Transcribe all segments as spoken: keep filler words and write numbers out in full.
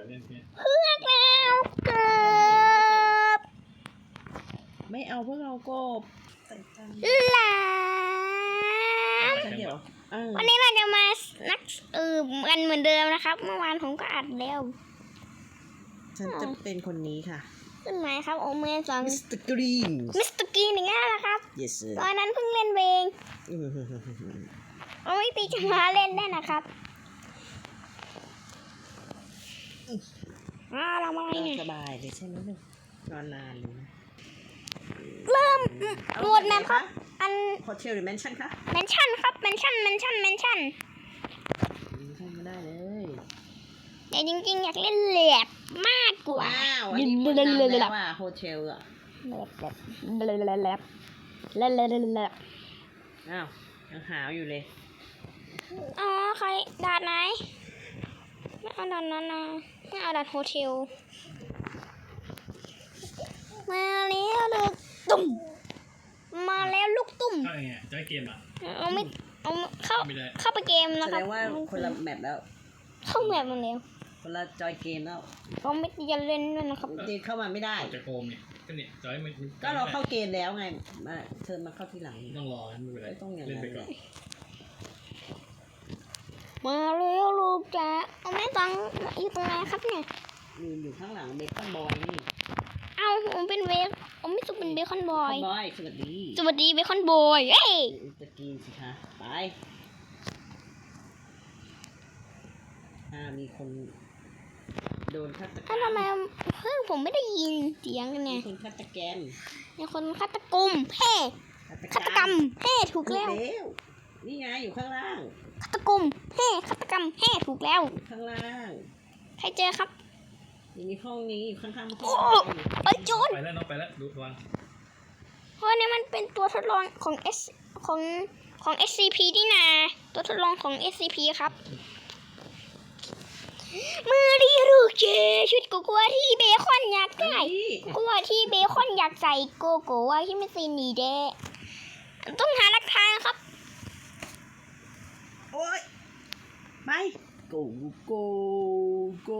เล่นเนี่ยเพื่อนเราเกิบไม่เอาพวกเรากบใส่กันหลามฉันเดี๋ยวเออวันนี้เราจะมานักเออกันเหมือนเดิมนะครับ เมื่อวานผมก็อัดแล้วฉันจะเป็นคนนี้ค่ะขึ้นไหมครับโอเมนสองมิสเตอร์กรีนมิสเตอร์กรีนอย่างเงี้ยนะครับ yes sir ตอนนั้นเพิ่งเล่นเองเอาไม่ตีจะมาเล่นได้นะครับอ้าวเรามาอะไรเนี่ยสบายเลยใช่ไหมลูกนอนนานเลยนะเริ่มโหมดแมปครับอันโฮเทลหรือแมนชั่นคะเมนชั่นครับเมนชั่นเมนชั่นเมนชั่นแมนชั่นไม่ได้เลยแต่จริงๆอยากเล่นแลบมากกว่าว้าวอันนี้คนนำแล้วอ่ะโฮเทลอ่ะแลบแลบแลบแลบแลบแลบแลบแลบอ้าวยังหาวอยู่เลยอ๋อใครดาดไหนไม่เอาดาดนั้นนะไม่เอาดาดโฮเทลมาแล้วลูกตุ่มมาแล้วลูกตุ่มเข้าไงจอยเกมอ่ะเอาไม่เอาเข้าไม่ได้เข้าไปเกมแสนะคดรับงว่าคนละแมปแล้วเข้าแบบมันแล้วคนละจอยเกมแล้วเขาไม่จะเล่นด้วยนะครับเดนเข้ามาไม่ได้ออกจากโฮมเนี่ยก็เนี่ยจอยมันก็เราเข้าเกมแล้วไงมาเชิญมาเข้าทีหลังต้องรอไม่เป็นไรไม่ต้องอย่างนั้นเล่นไปก่อนมาแล้วลูกจ๋าเอาแม่ตังอยู่ตรงไหนครับเนี่ยยืนอยู่ข้างหลังเบคอนบอยนี่เอาผมเป็นเวฟผมไม่สุกเป็นเบคอนบอยบอยสวัสดีสวัสดีเบคอนบอยเอ้ยตะกี้สิคะไปอ่ามีคนโดนฆาตกรรอ้าวทำไมเพิ่งผมไม่ได้ยินเสียงกันมีเนี่ยคนฆาตกรรมมีคนฆาตกรรมเฮ้ฆาตกรรมเฮ้ถูกถูกแล้วแล้วนี่ไงอยู่ข้างล่างฆาตกรรมเฮ้ฆาตกรรมเฮ้ถูกแล้วอยู่ข้างล่างใครเจอครับอยู่ในห้องนี้อยู่ข้างๆห้องโอ้ไปโจรไปแล้วน้องไปแล้วดูวางเพราะนี่มันเป็นตัวทดลองของ S ของของ เอส ซี พี นี่นาตัวทดลองของ เอส ซี พี ครับมือดีลูกเจชุดโกโก้ที่เบคอนอยากได้นี่โกโก้ที่เบคอนอยากใส่โกโก้ที่ไม่ใส่หนีเด้ต้องหาหลักฐานครับโอ้ยไป go go go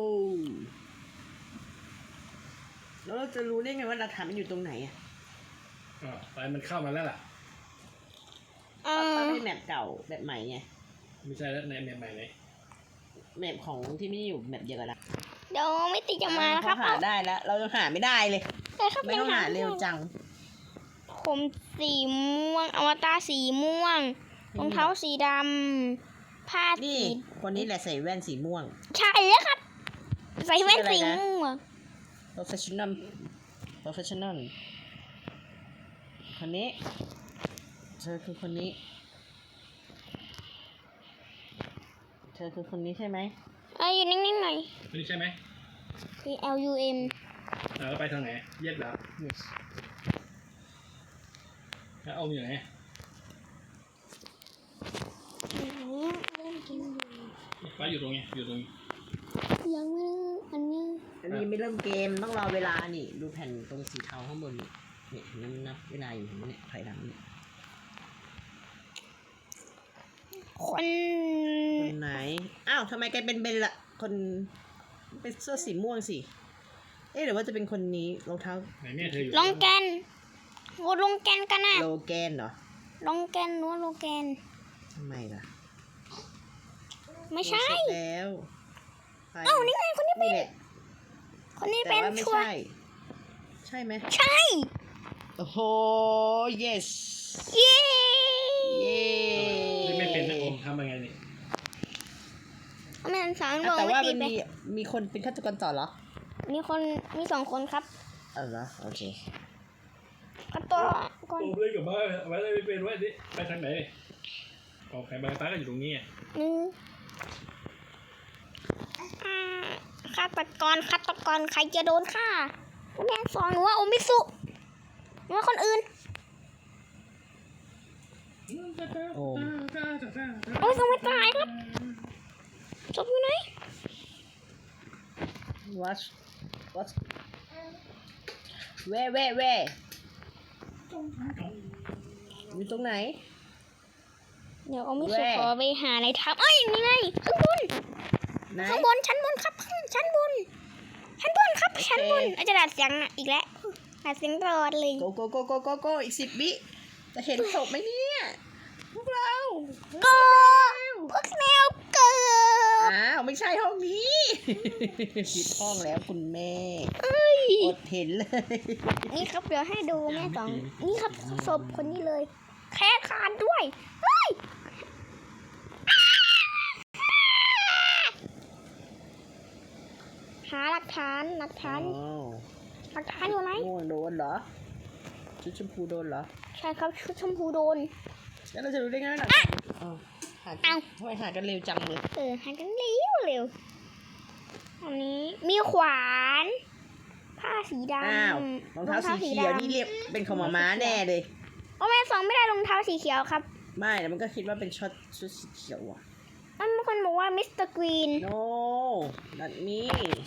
แล้วเราจะรู้ได้ไงว่าหลักฐานมันอยู่ตรงไหนอ่ะอ๋อไปมันเข้ามาแล้วล่ะเอก็อได้แมปเก่าแบบใหม่ไงไม่ใช่แล้วในแมปใหม่เลยแมปของที่ไม่ได้อยู่แมปเดียวกันละเดี๋ยวไม่ติดจะมาครับเขาหาได้แล้ว เรายังหาไม่ได้เลยแต่ครับไม่ต้องหาเร็วจังผมสีม่วงอวตารสีม่วงรองเท้าสีดำผ้าสีนี่คนนี้แหละใส่แว่นสีม่วงใช่แล้วครับ ใส่แว่นสีม่วง professional professional คนนี้เธอคือคนนี้ เธอคือคนนี้ใช่ไหมเอ้ยอยู่นิ่งๆหน่อยนี่ใช่ไหมคือ L U M แล้วไปทางไหนแยกดาว yes แล้วเอาอยู่ไหนไปอยู่ตรงนี้อยู่ตรงนี้ยังไม่อันนี้อันนี้ไม่เริ่มเกมต้องรอเวลานี่ ดูแผ่นตรงสีเทาข้างบนนี่เนี่ยเห็นมันนับเวลาอยู่เห็นไหมเนี่ยถอยหลังเนี่ยคนคนไหน อ้าวทำไมกลายเป็นเบนละคนเป็นเสื้อสีม่วงสิ เอ๊ะหรือว่าจะเป็นคนนี้รองเท้าไหนแม่เธออยู่ลงแกนโหลงแกนกันนะโลแกนเหรอลงแกนหรือว่าโลแกนทำไมล่ะไม่ใช่เสร็จแล้วใครเอ้านี่ไงคนนี้เป็นี่นแหละคนนี้แต่เป็นว่าไม่ชัวร์ใช่ ใช่ไหมใช่โอ้โห yes เย้เย้นี่ไม่เป็นนะผมทำยังไงนี่แม่สอนบอ่ะอกแต่ไม่ว่าตีมันไปมีมีคนเป็นฆาตกรต่อเหรอมีคนมีสองคนครับเออเหรอโอเคก็ตัวก่อนผมเลยกับบ้านไว้เลยไม่เป็นไว้ดิไปทางไหนออกใครบางตาก็อยู่ตรงนี้หนึ่งอ่าฆาตกรฆาตกรใครจะโดนฆ่าแม่สอนหนูว่าโอมิสุหรือว่าคนอื่นโอ้โอ้ยยังไม่ตายครับศพอยู่ไหน what what where where where อยู่ตรงไหนเดี๋ยวโอมิสุแว่ขอไปหาอะไรทำเอ้ยนี่ไงข้างบนไหนข้างบนชั้นบนครับข้างชั้นบนชั้นบนอาจจะดัดเสียงอีกแล้วดัดเสียงตลอดเลยโกโกโกโกโกโกอีกสิบวิจะเห็นศพไหมเนี่ยพวกเราก็พวกแนวเกิดอ้าวไม่ใช่ห้องนี้ ผิดห้องแล้วคุณแม่อดเห็นเลยนี่ครับเดี๋ยวให้ดูแม่สองนี่ครับศพคนนี้เลยแค่ขาดด้วยเฮ้ยหาหลักฐานหลักฐานอ้าวหลักฐานอยู่ไหนม่วงโดนเหรอชุดชมพูโดนเหรอใช่ครับชุดชมพูโดนแล้วเราจะรู้ได้ไงล่ะอ้าวหาอ้าวทำไมหากันเร็วจังเลยเออหากันเร็วเร็วอันนี้มีขวานผ้าสีดำอ้าวรองเท้าสีเขียวนี่เรียกเป็นของหมาม้าแน่เลยโอ้แม่สองไม่ได้รองเท้าสีเขียวครับไม่แต่มันก็คิดว่าเป็นช็อตชุดสีเขียวอ่ะมันมีคนบอกว่ามิสเตอร์กรีน no not me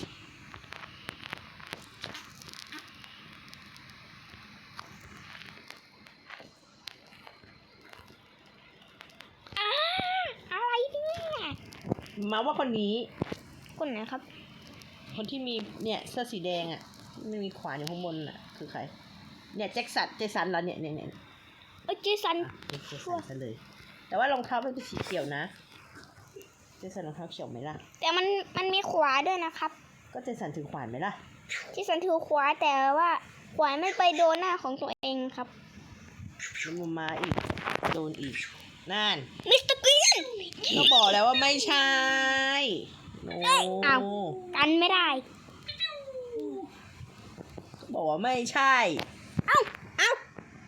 อ้าอะไรเนี่ยมาว่าคนนี้คนไหนครับคนที่มีเนี่ยเสื้อสีแดงอ่ะไม่มีขวานอยู่ข้างบนอ่ะคือใครเนี่ยแจ็คสันเจสันเหรอเนี่ยเนี่ยเนี่ยเออเจสันเป็นเจสันซะเลย แต่ว่ารองเท้ามันเป็นสีเขียวนะเจสันรองเท้าเขียวไหมล่ะแต่มันมันมีขวาด้วยนะครับก็เจสันถือขวานไหมล่ะเจสันถือขวาแต่ว่าขวาไม่ไปโดนหน้าของตัวเองครับแล้วมันมาอีกโดนอีกนั่นมิสเตอร์กรีนก็บอกแล้วว่าไม่ใช่โนอ้าวกันไม่ได้บอกว่าไม่ใช่เอ้าเอ้า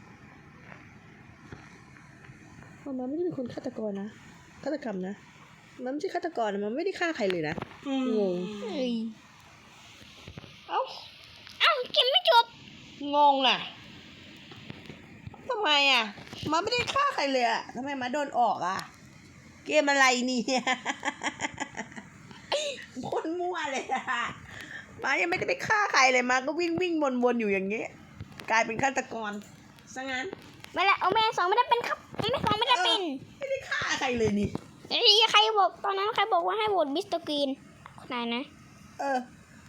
มันไม่ได้เป็นคนฆาตกรนะฆาตกรรมนะมันไม่ใช่ฆาตกรนะมันไม่ได้ฆ่าใครเลยนะงงเอ้ยเอ้าเอ้าเกมไม่จบงงอ่ะทำไมอ่ะมันไม่ได้ฆ่าใครเลยอ่ะทำไมมาโดนออกอ่ะเกมอะไรเนี่ยคนมั่วเลยอ่ะมายังไม่ได้ไปฆ่าใครเลยมาก็วิ่งวิ่งวนวนอยู่อย่างเงี้ยกลายเป็นฆาตกรซะงั้นไม่ละเอาแม่สองไม่ได้เป็นครับแม่สองไม่ได้เป็นไม่ได้ฆ่าใครเลยนี่เอ้ยใครบอกตอนนั้นใครบอกว่าให้โหวตมิสเตอร์กรีนคนไหนนะเออ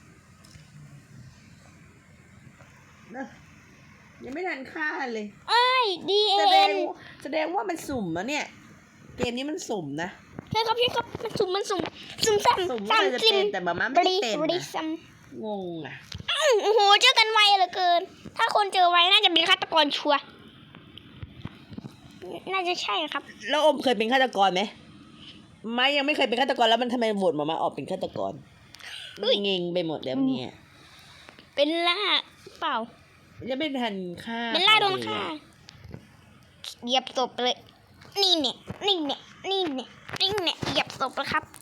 นะยังไม่ทันฆ่าเลยเอ้ยดีเอ็แสดงนแสดงว่ามันสุ่มนะเนี่ย เกมนี้มันสุ่มนะใช่ครับพี่ครับมันสุ่มมันสุ่มสุ่มซ้ำสุ่มซ้ำว่าจะจิ้มเป็นแต่มาม่าบไม่รีได้เป็นบรีนะซัมงงอ่ะอ้าวโอ้โหเจอกันไวเหลือเกิน ถ้าคนเจอไวน่าจะเป็นฆาตกรชัวร์น่าจะใช่ครับแล้วอมเคยเป็นฆาตกรไหมไม่ยังไม่เคยเป็นฆาตกรแล้วมันทำไมโหวตมามาออกเป็นฆาตกรเฮ้ยเงงไปหมดแล้วเนี่ยเป็นล่าเปล่ายังไม่ทันฆ่าเป็นล่าโดนใรฆ่าเลยเหยียบศพเลย นี่เนี่ยนี่เนี่ยนี่เนี่ยนี่เนี่ยเหยียบศพแล้วครับ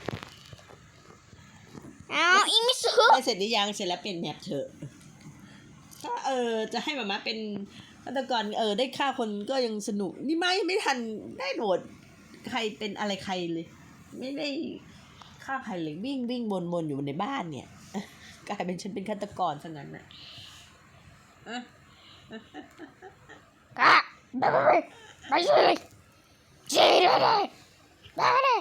เอาอีมิสุได้เสร็จหรือยังเสร็จแล้วเป็นแมปเถอะถ้าเออจะให้มาม่าเป็นฆาตกรเออได้ฆ่าคนก็ยังสนุกนี่ไม่ไม่ทันได้โหวตใครเป็นอะไรใครเลย ไม่ได้ฆ่าใครเลยวิ่งวิ่งวนวนอยู่ในบ้านเนี่ย กลายเป็นฉันเป็นฆาตกรซะงั้นน่ะอ่ะกะไปไปไปไปเลยเจ๊เลยเลยไปเลย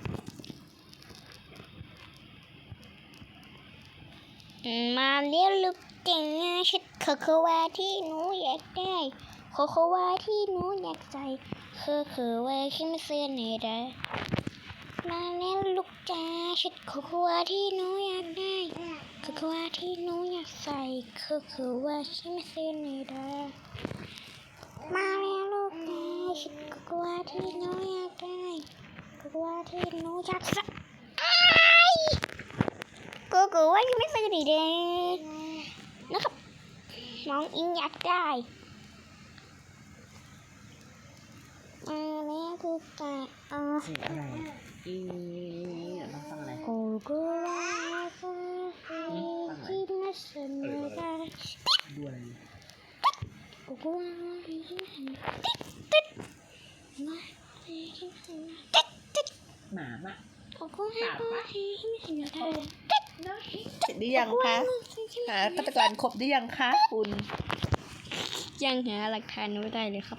มาเลี้ยวลูกเก่งชุดโคโค่วาที่หนูอยากได้โคโค่วาที่หนูอยากใส่โคโค่วาขึ้นเสื้อในเด้อมาเลี้ยวลูกจ้าชุดโคโค่วาที่หนูอยากได้โคโค่วาที่หนูอยากใส่โคโค่วาขึ้นเสื้อในเด้อ มาแล้วลูกนะฉันก็กลัวที่หนูอยากได้ก็กลัวที่หนูอยากใส่ก็กลัวยังไม่ซื้อดีเด้นะครับน้องอิงอยากได้มาแล้วกูกะเอาเสียงอะไรอีเดี๋ยวต้องฟังอะไรกูกลัวที่น่าสนใจดูอะไรกูกลัวที่ติดมาติดติดหมาอะกูกลัวที่ไม่สนใจเสร็จหรือยังคะหาฆาตกรครบหรือยังคะคุณยังหาหลักฐานไม่ได้เลยครับ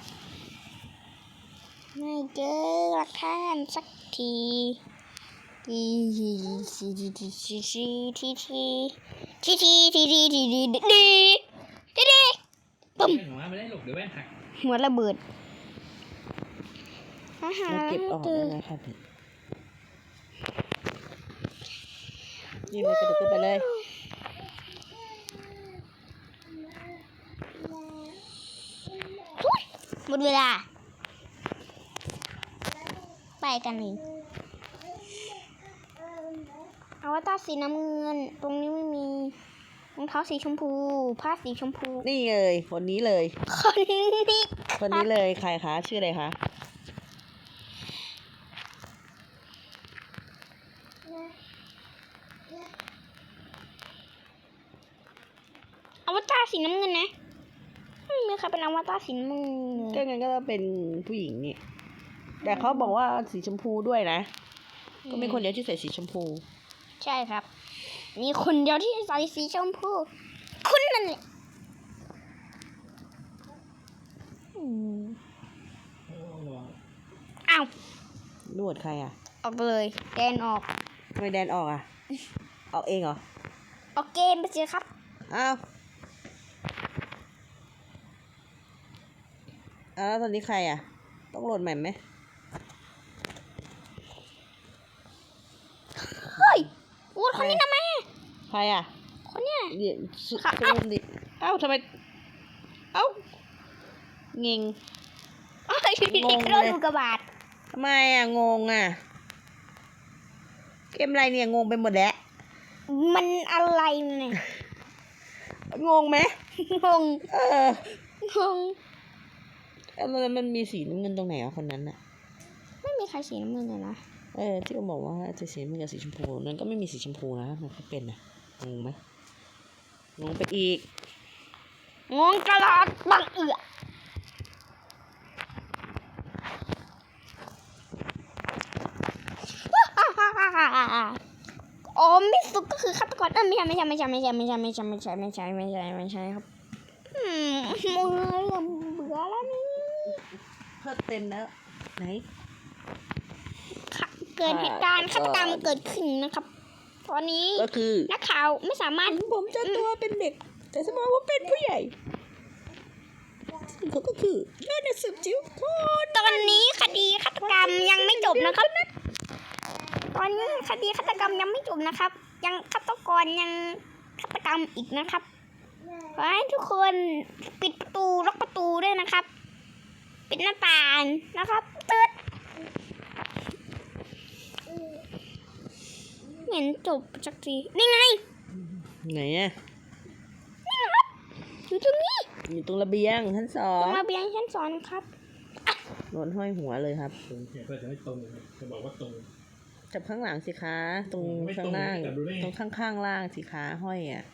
ไม่เจอหลักฐานสักทีทีทีทีทีทีทีทีทีทีทีทีทีดีดีดีปุ๊มแว่นของมาไม่ได้หลบเดี๋ยวแว่นหักหัวระเบิดอาหารมาเก็บออกได้ไหมครับนี่เลยกระโดดขึ้นไปเลยหมดเวลาไปกันเลยอวตารสีน้ำเงินตรงนี้ไม่มีรองเท้าสีชมพูผ้าสีชมพูนี่เลยคนนี้เลยคนนี้คนนี้เลยใครคะชื่ออะไรคะอวตารสีน้ำเงินนะไม่มีใครเป็นอวตารสีน้ำเงินก็งั้นก็ต้องเป็นผู้หญิงนี่แต่เขาบอกว่าสีชมพูด้วยนะก็มีคนเดียวที่ใส่สีชมพูใช่ครับมีคนเดียวที่ใส่สีชมพูคุณนั่นแหละอืมโอ้ระวังอ้าวนวดใครอ่ะออกเลยแดนออกทำไมแดนออกอ่ะ ออกเองเหรอออกเกมไปเจอครับอ้าวอ้าวแล้วตอนนี้ใครอ่ะ ต้องโหลดใหม่ไหมเฮ้ยวูดคนนี้ทำไมใครอ่ะคนเนี้ยเดี๋ยวสุดค่ะซูมดิเอ้าทำไม เอ้าเงงเอ้ยงงโดนเลยลูกกระบาดทำไมอ่ะ งงอ่ะ เกมอะไรเนี่ย งงไปหมดแล้วมันอะไรเนี่ยงงไหมงงเอองงแล้วมันมันมีสีน้ำเงินตรงไหนอ่ะคนนั้นอ่ะไม่มีใครสีน้ำเงินเลยนะเออที่เขาบอกว่าจะสีน้ำเงินกับสีชมพูนั้นก็ไม่มีสีชมพูนะมันก็เป็นนะงงไหมงงไปอีกงงตลอดบังเอือโอ้มิสุก็คือฆาตกรเออไม่ใช่ไม่ใช่ไม่ใช่ไม่ใช่ไม่ใช่ไม่ใช่ไม่ใช่ไม่ใช่ไม่ใช่ไม่ใช่ครับอืมมือเริ่มเบื่อแล้วนี่เพิ่มเต็มแล้วไหนค่ะเกิดเหตุการณ์ฆาตกรรมเกิดขึ้นนะครับ ตอนนี้ก็คือนักข่าวไม่สามารถผมจะตัวเป็นเด็ก แต่สมองผมเป็นผู้ใหญ่เขาก็คือเล่นในสืบจิ้วโคตรตอนนี้คดีฆาตกรรมยังไม่จบนะครับ ตอนนี้คดีฆาตกรรมยังไม่จบนะครับ ยังฆาตกรยังฆาตกรรมอีกนะครับขอให้ทุกคนปิดประตูล็อกประตูด้วยนะครับ ปิดหน้าต่างนะครับตืดเหม็นจบสักทีนี่ไงไหนอ่ะนี่ครับอยู่ตรงนี้อยู่ตรงระเบียงชั้นสอตรง งระเบียงชั้นสองครับโดนห้อยหัวเลยครับตรงเพื่อจะไม่ตรงจะบอกว่าตรงจับข้างหลังสิคะตรงไม่ตรงข้างล่างจับดูได้ไงตรงข้างข้างๆล่างสิคะห้อยอ่ะ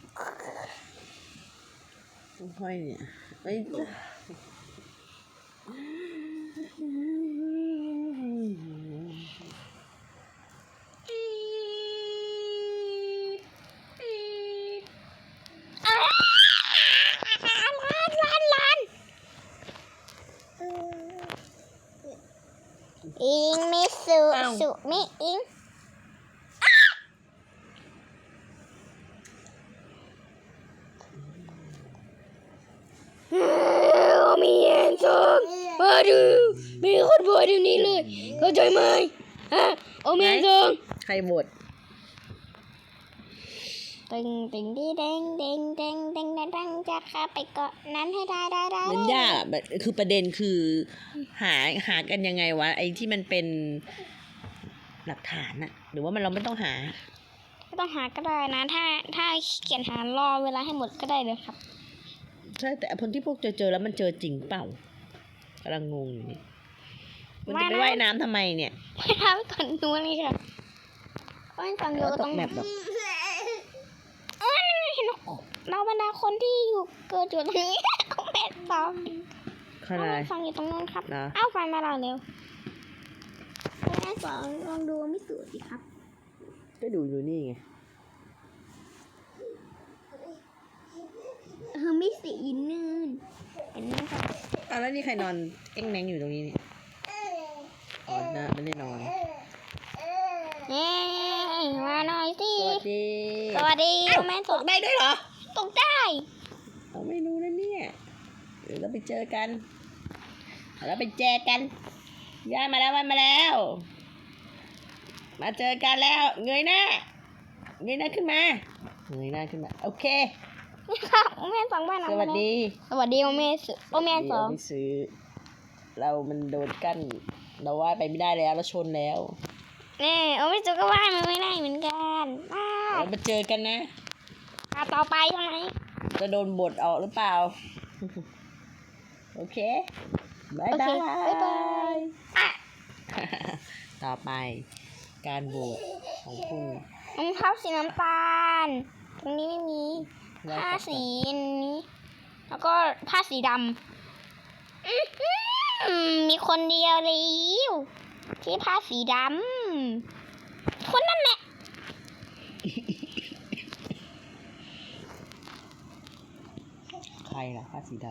ห้อยเนี่ยไม่อ้าวล้านล้านล้านอิงมิสุสุมิอิงมีเอ็นซองมาดูมีคนบอกเดี๋ยวนี้เลยเข้าใจไหมฮะโอเมนซองใครโหวตตึงตึงดีเด้งเด้งเด้งเด้งเด้งเด้งจะเข้าไปเกาะนั้นให้ได้ได้ได้มันยากอะแบบคือประเด็นคือหาหากันยังไงวะไอ้ที่มันเป็นหลักฐานอะหรือว่ามันเราไม่ต้องหาไม่ต้องหาก็ได้นะ ถ้าถ้าเขียนหารอเวลาให้หมดก็ได้เลยครับใช่แต่คนที่พวกเจอเจอแล้วมันเจอจริงเปล่ากำลังงงอยู่นี่มันจะไปว่ายน้ำทำไมเนี่ยไม่ทำก่อนดูนี่ค่ะโอ้ยฟังอยู่แล้วตตรกงแบบแบบเออนั่นไงเห็นไหมเราบรรดาคนที่อยู่เกิดอยู่ตรงนี้ เอาแม่ต่อขนาดไหนฟังอยู่ตรงนู้นครับนะเอาไฟมาเราเร็วแม่สองลองดูไม่สุดสิครับก็ดูอยู่นี่ไงเออไม่สีนื่นเห็นไหมครับอ่ะแล้วนี่ใครนอนเอ็งแมงอยู่ตรงนี้เนี่ยอ๋อนะไม่ได้นอนเย้มาหน่อยสิสวัสดีสวัสดีเอ้าแม่ตกได้ด้วยเหรอตกได้เราไม่รู้นะเนี่ยเดี๋ยวเราไปเจอกันเราไปเจอกันย่ามาแล้วมาแล้ว มาเจอกันแล้วเงยหน้าเงยหน้าขึ้นมาเงยหน้าขึ้นมาโอเคนี่ค่ะแม่สองบ้านสวัสดีสวัสดีโอเมสโอเมสองไม่ซื้อ เรามันโดนกั้นเราว่ายไปไม่ได้แล้วเราชนแล้วนี่โอเมสก็ว่ายมันไม่ได้เหมือนกันอ้าเรามาเจอกันนะอ่ะต่อไปทำไมจะโดนบทออกหรือเปล่า โอเคบายโอเคบายบ๊ายบายอ่ะต่อไปการโหวตของผู้รองเท้าสีน้ำตาล ตรงนี้ไม่มีไล่ผ้าต่อไปสีนี้ แล้วก็ผ้าสีดำอื้อหือมีคนเดียวเลยที่ผ้าสีดำคนนั่นแหละใครล่ะผ้าสีด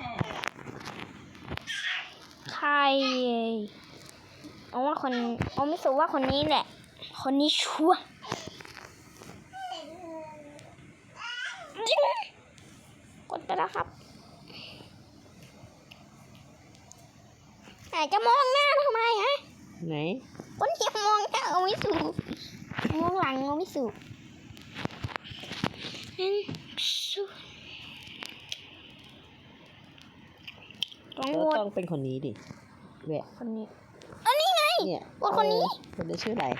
ใครเอาว่าคนเอาไม่สูว่าคนนี้แหละ คนนี้ชัวร์กดไปแล้วครับแต่จะมองหน้าทำไมฮะำไหนคนที่มองหน้าเอาไม่สูมองหลังเอาไม่สูนั่นสูต้องก็โหวตต้องเป็นคนนี้ดิแหวะคนนี้อันนี้ไงเนี่ยโหวตคนนี้เออคนนี้ชื่ออะไร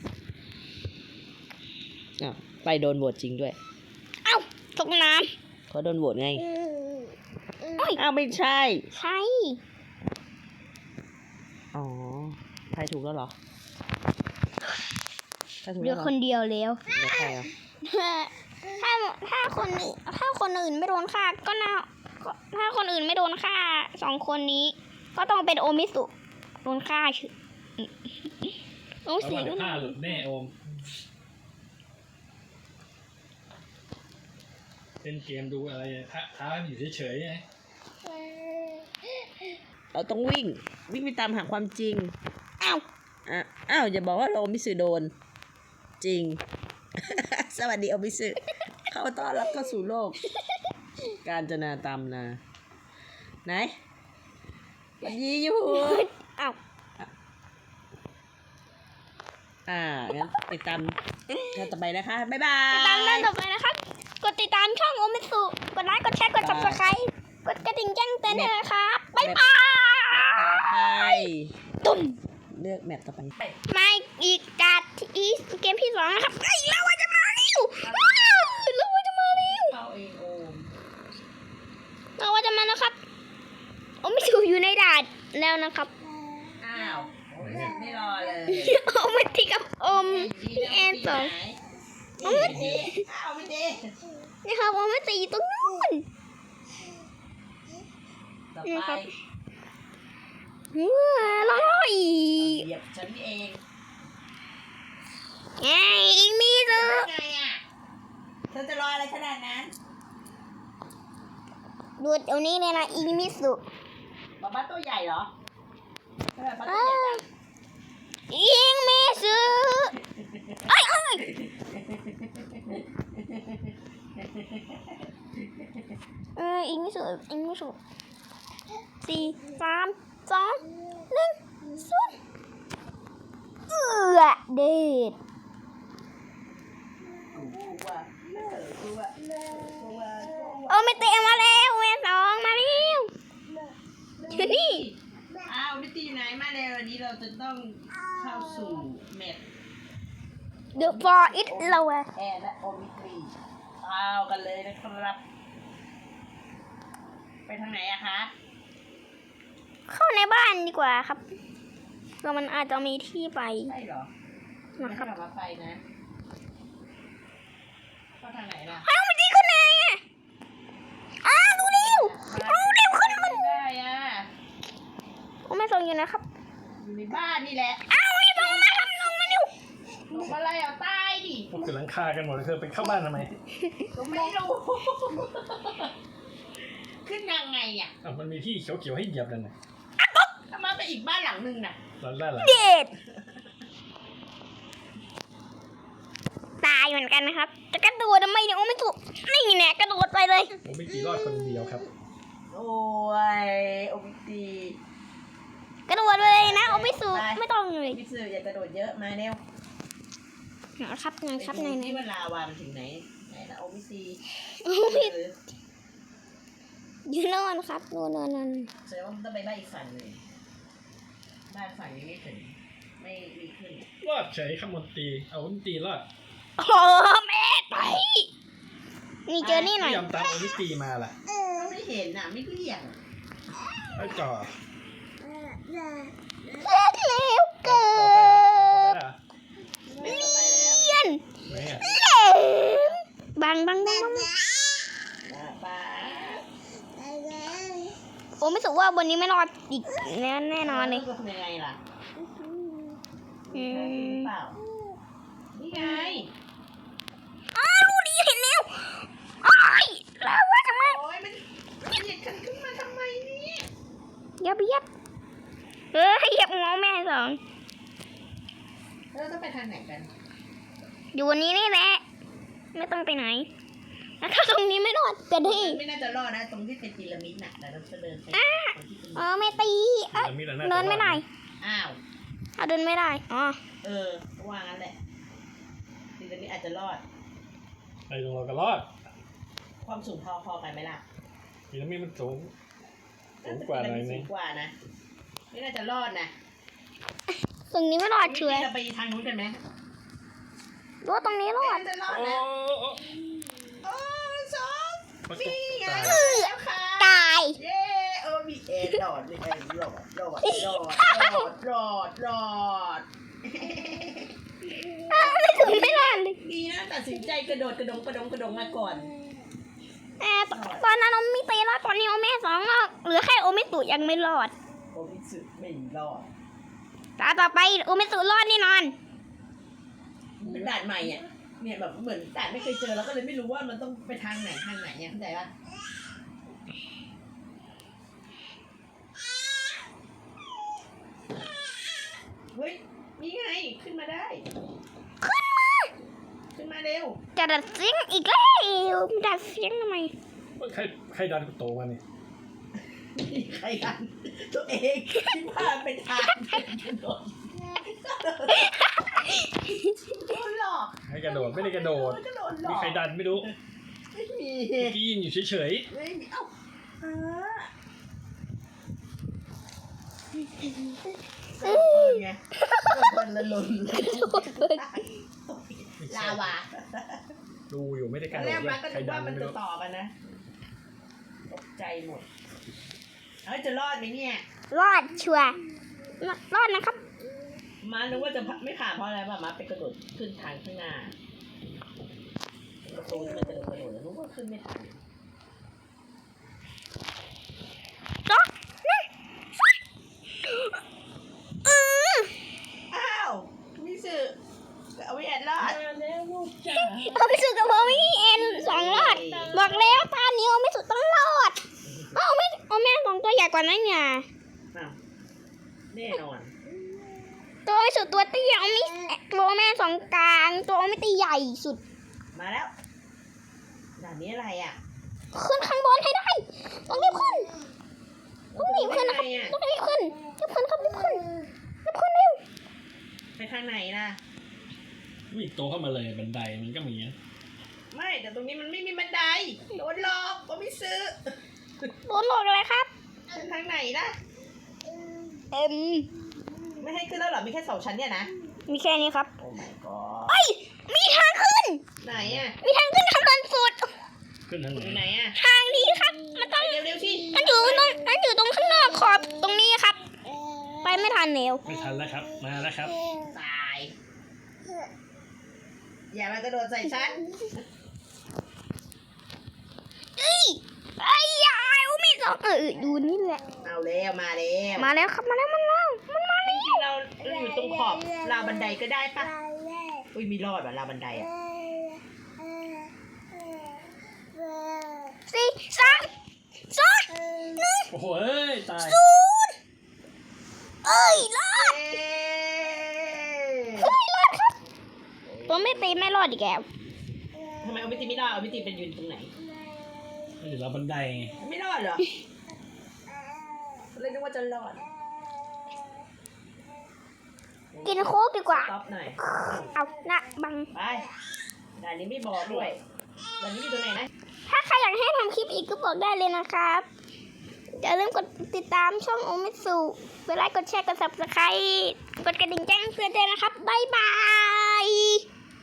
อ้าวไปโดนโหวตจริงด้วยเอ้าตกน้เขาโดนโหวตไงำโอ้ยอ้าวไม่ใช่ใช่อ๋อใครถูกแล้วเหรอใครถูกเหลืแล้อวเหรอคนเดียวแล้วแล้วใครอ่ะถ้าถ้าคนอื่นถ้าคนอื่นไม่โดนฆ่าก็น่าก็ถ้าคนอื่นไม่โดนฆ่าสองคนนี้ ก็ต้องเป็นโอมิสุโดนฆ่าชื่อโอมิแล้วสุมันจะผ้าหลุดแน่โอมเล่นเกมดูอะไรท้าท้าอยู่เฉยๆไงเราต้องวิ่ง วิ่งไปตามหาความจริงอ้าวอ่ะอ้าวอย่าบอกว่าเรามิสึโดน จริง สวัสดีโอมิสึเข้าต้อนรับเข้าสู่โลก การจนาตามนาไหนวันยีอยู่อ้าวอ่างั้นติดตามกันต่อไปนะคะ บ๊ายบายติดตามได้ต่อไปนะครับ กดติดตามช่องโอมิสุกดไลค์กดแชร์กด subscribe กดกระดิ่งแจ้งเตือนด้วยนะครับบ๊ายบายไปตุ้มเลือกแมปต่อไปมาอีกการอีเกมที่สองนะครับไอ้ยเราว่าจะมาเร็วว้าวเราว่าจะมาเร็วเข้าเองโอมเราว่าจะมาแล้วครับโอ้ไม่ถูกอยู่ในด่านแล้วนะครับอ้าวโอ้ยไม่รอเลยโอ้ไม่ตีกับอมพี่แอนสองเอาไม่ดีเอาไม่ดีนี่ครับโอ้ไม่ตีตรงนู้นต่อนี่ไปครับว้าวร้อยเหยียบฉันเองไงอีกมีซื้อไงอ่ะเธอจะรออะไรขนาดนั้นดูเดี๋ยวนี้เลยนะอีมิสุป๊าป๊าตัวใหญ่เหรอทำไมป๊าตัวใหญ่จังอีมิสุไอ้ไอ้ยเอออีมิสุอีมิสุสี่สามสองหนึ่งศูนย์เอือเด็ดกลัวเลิกกลัวเลิกกลัวโอ้ไม่เตะมาแล้วแม่สองมาเร็วอยู่นี่อ้าวนิตี้อยู่ไหนมาเร็ววันนี้เราจะต้องเข้าสู่แมป The for it เราอะแอร์และโอมิตรีเอากันเลยนะครับ ไปทางไหนอะคะเข้าในบ้านดีกว่าครับเรามันอาจจะมีที่ไปใช่เหรอไม่นะคให้รับเรามาไปนะเข้าทางไหนล่ะเอ้ามันดีขึ้นไงอะอ้าวดูเร็วดูเร็วขึ้นมันไม่ได้อะโอ้ไม่ส่งอยู่นะครับอยู่ในบ้านนี่แหละอ้าวไม่ส่งมาครับลงมาเร็วลงมาอะไรเอาตายดิพวกกำลังฆ่ากันหมดเลยเธอไปเข้าบ้านทำไมก็ไม่รู้ ขึ้นยังไงอ่ะอ่ะมันมีที่เขียวๆให้เหยียบนั่นน่ะถ้ามาไปอีกบ้านหลังนึงน่ะด้านล่างหลังเด็ดตายเหมือนกันนะครับจะกระโดดทำไมเนี่ยโอ้ไม่ถูกนี่แน่กระโดดไปเลยผมไม่กี่รอดคนเดียวครับโอ้ยโอบิตีกระโดดไปเลยนะโอ้ไม่สูไม่ต้องเลยพี่สื่ออย่ากระโดดเยอะมาเร็วนะครับนะครับไปไหนดูไหนที่ว่าลาวามันถึงไหนไหนละโอบิตีโอ้ไม่ยืนนอนครับนอนนอนนอนแสดงว่ามันต้องไปบ้านอีกฝั่งหนึ่งบ้านฝั่งนี้ไม่ถึงไม่มีขึ้นรอดเฉยข้ามนตรีเอามนตรีรอดโอ้แม่ไปนี่เจอนี่หน่อยไม่ยอมตามโอมิตีมาล่ะก็ไม่เห็นน่ะไม่เรียกไอ้จ่อเล่นแล้วเกิดไม่ต่อไปแล้วเลียนไหนอ่ะบังบังบังบังป้าโอ้ไม่สุว่าบนนี้ไม่รอดอีกแน่แน่นอนเลยทำยังไงล่ะอืจริงมเปล่านี่ไงอ้าวรู้ดีเห็นแล้วอ้ายแล้วว่าทำไมโอ้ยมันมันเหยียดกันขึ้นมาทำไมเนี่ยยับยับเฮ้ยยับงอแม่สองเราต้องไปทางไหนกันอยู่วันนี้นี่แหละไม่ต้องไปไหนแล้วถ้าตรงนี้ไม่รอดจะได้ไม่น่าจะรอดนะตรงที่เป็นพีระมิดน่ะแต่เราจะเดินไปตรงที่เป็นอ๋อไม่ตีเอ้ยมีแต่หาเดินไม่ได้อ้าวเอาเดินไม่ได้อ๋อเออว่างั้นแหละพีระมิดอาจจะรอดไปตรงเราก็รอดความสูงพอพอกันไหมล่ะพีระมิดมันสูงสูงกว่าหน่อยนึสูงงกว่านะไม่น่าจะรอดนะตรงนี้ไม่รอดเฉยเราไปทางนู้นกันไหมรู้ว่าตรงนี้รอดน่าจะรอดโอ้นะโอ้โอ้สองมันสี่ตกไงตายแล้วค่ะตายเย้เออมีเอ็นรอดเลยเอ็นรอดรอดรอดรอดรอดรอดอ้าวไม่ถึงไม่รอดเลยดีนะตัดสินใจกระโดดกระดงกระดงกระดงมาก่อนแอบตอนนั้นโอมิตีรอดตอนนี้โอเมสองรอดเหลือแค่โอมิตุยังไม่รอดโอมิสึไม่รอดตาต่อไปโอมิตุรอดแน่นอนเป็นด่านใหม่อ่ะเนี่ยแบบเหมือนด่านไม่เคยเจอแล้วก็เลยไม่รู้ว่ามันต้องไปทางไหนทางไหนเนี่ยเข้าใจปะเฮ้ยนี่ไงขึ้นมาได้ขึ้นมาขึ้นมาเร็วจะดัดเสียงอีกแล้วดัดเสียงทำไมใครใครดันกูโตมาเนี่ยนี่ใครกันตัวเองที่พาไปทางกระโดดโดนหลอกใครกระโดดไม่ได้กระโดดกระโดดหลอกมีใครดันไม่รู้ไม่มีเมื่อกี้ยืนอยู่เฉยไม่มีเอ้าฮะเออไงคนละลนลาวาๆดูอยู่ไม่ได้กตอระนโดแรดกเลมาย ก็ใครนึกดัว่าน มันไม่จะรู้ต่อกันนะตกใจหมดเอ้ยจะรอดไหมเนี่ยรอดชัวร์รอดนะครับมานึกว่าจะไม่ผ่านเพราะอะไรป่ะมาไปกระโดดขึ้นทางข้างหน้าประตูที่มันกระโดดกระโดดแล้วนึกว่าขึ้นไม่ทันสองหนึ่งอืออ้าวมิสึเอาไว้แอดรอดแล้วลูกจ๋าเอาไม่สุดกับโอมิเอ็นสองรอด บอกแล้วตอนนี้โอไม่สุดต้องรอดเอาไม่โอแม่สองตัวใหญ่กว่านั้นไงอ้าวแน่นอนตัวไม่สุดตัวเตี้ยโอมิตัวแม่สองกลาง ตัวโอมิตีใหญ่สุดมาแล้วด่านนี้อะไรอ่ะขึ้นข้างบนให้ได้ ต้องรีบขึ้น ต้องรีบขึ้นนะครับไปทางไหนอะต้องรีบขึ้นรีบขึ้นครับรีบขึ้นรีบขึ้นเร็วไปทางไหนนะมีโตเข้ามาเลยบันไดมันก็มีนะไม่แต่ตรงนี้มันไม่มีบันไดโดนหลอกก็ไม่ซื้อโดนหลอกอะไรครับไปทางไหนนะเอ็มไม่ให้ขึ้นแล้วเหรอมีแค่สองชั้นเนี่ยนะมีแค่นี้ครับโอ้ my god เอ้ย มีทางขึ้นไหนอ่ะมีทางขึ้นทางเดินสุดขึ้นทางไหนอยู่ไหนอ่ะทางนี้ครับ มันต้องเร็วๆสิมันอยู่ตรงมันอยู่ตรงข้างนอกขอบตรงนี้ครับ ไปไม่ทันแล้วไม่ทันแล้วครับ มาแล้วครับตายอย่ามากระโดดใส่ฉันเอ้ยไอ้ยายอุ้มีสองเอออยู่นี่แหละเอาแล้วมาแล้วมาแล้วครับ มาแล้ว มันแล้วมันมาจริงๆเราเราอยู่ตรงขอบราวบันไดก็ได้ปะอุ้ยมีรอดแบบราวบันไดอ่ะสี่สามสองหนึ่งโอ้โหเอ้ยตายศูนย์เอ้ยรอดเย้เฮ้ยรอดครับ ตัวไม่ตีไม่รอดอีกแล้วเตีไม่รอดเอาพี่ตีเป็นยืนตรงไหนไม่เดี๋ยวเราบันไดไงไม่รอดเหรอเลยนึกว่าจะรอดกินโค้กดีกว่าต๊อปหน่อยเอาหน้าบังไปด่านนี้ไม่บอกด้วยด่านนี้อยู่ตรงไหนนะถ้าใครอยากให้ทำคลิปอีกก็บอกได้เลยนะครับอย่าลืมกดติดตามช่องโอมิสุกดไลค์กดแชร์กด ซับสไครบ์ กดกระดิ่งแจ้งเตือนด้วยนะครับบ๊ายบาย